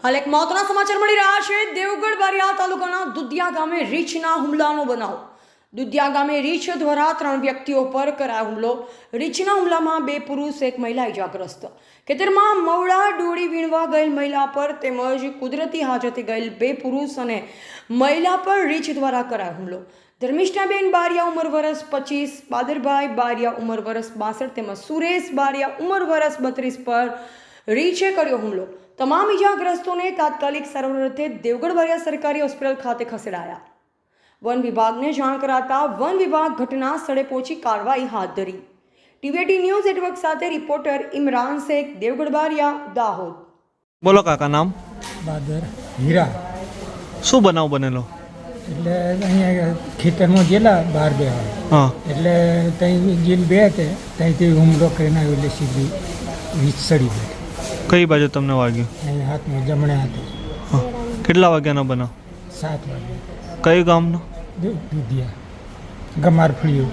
હાલ એક મહત્વના સમાચાર મળી રહ્યા છે। દેવગઢ બારિયા તાલુકાના દુધિયા ગામે રીંછના હુમલાનો બનાવ। દુધિયા ગામે રીંછ દ્વારા 3 વ્યક્તિઓ પર કરાયો હુમલો। રીંછના હુમલામાં 2 પુરુષ એક મહિલા ઇજાગ્રસ્ત। ખેતરમાં મવડા ડોળી વીણવા ગયેલ મહિલા પર તેમજ કુદરતી હાજતે ગયેલ 2 પુરુષ અને મહિલા પર રીંછ દ્વારા કરાયો હુમલો। ધર્મિષ્ઠાબેન બારિયા ઉંમર વર્ષ 25, બાદરભાઈ બારિયા ઉંમર વર્ષ 62 તેમજ સુરેશ બારિયા ઉંમર વર્ષ 32 પર રીંછે કર્યો હુમલો। તમામ ઇજાગ્રસ્તોને તાત્કાલિક સારવાર અર્થે દેવગઢ બારિયા સરકારી હોસ્પિટલ ખાતે ખસેડાયા। વન વિભાગને જાણ કરાતા વન વિભાગ ઘટના સ્થળે પહોંચી કાર્યવાહી હાથ ધરી। ટીવીટી ન્યૂઝ નેટવર્ક સાથે રિપોર્ટર ઇમરાન શેખ, દેવગઢ બારિયા, દાહોદ। બોલો કાકા, નામ? બાદર હીરા। શું બનાવ બનેલો? એટલે અહીંયા ખેતરમાં ગયેલા બહાર બેવા, હા, એટલે ત્યાં જેલ બે તે ત્યાંથી હુમલો કરીને આવ્યો, એટલે સીધી વીજ સડી ગઈ। કઈ બાજુ તમને વાગ્યું? અહીંયા હાથમાં જમણે હાથે। હા, કેટલા વાગ્યાનો બનાવ? 7 વાગે। કઈ ગામનો? દુધિયા ગમાર ફળ્યું।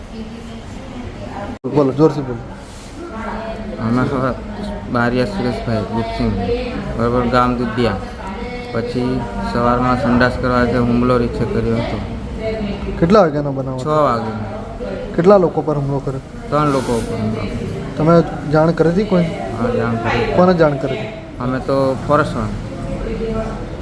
બોલો, જોરથી બોલો। અમે બારિયા સુરેશભાઈ ગુપસિંહ, બરાબર, ગામ દુધિયા। પછી સવારમાં સંડાસ કરવા જે હુમલો રીંછે કર્યો હતો। કેટલા વાગ્યાનો બનાવ 6 વાગે કેટલા લોકો પર હુમલો કર્યો? 3 લોકો ઉપર હુમલો કર્યો। તમે જાણ કરી હતી કોઈ? હા, જાણ કરી। કોને જાણ કરી હતી? અમે તો ફોરેસ્ટમાં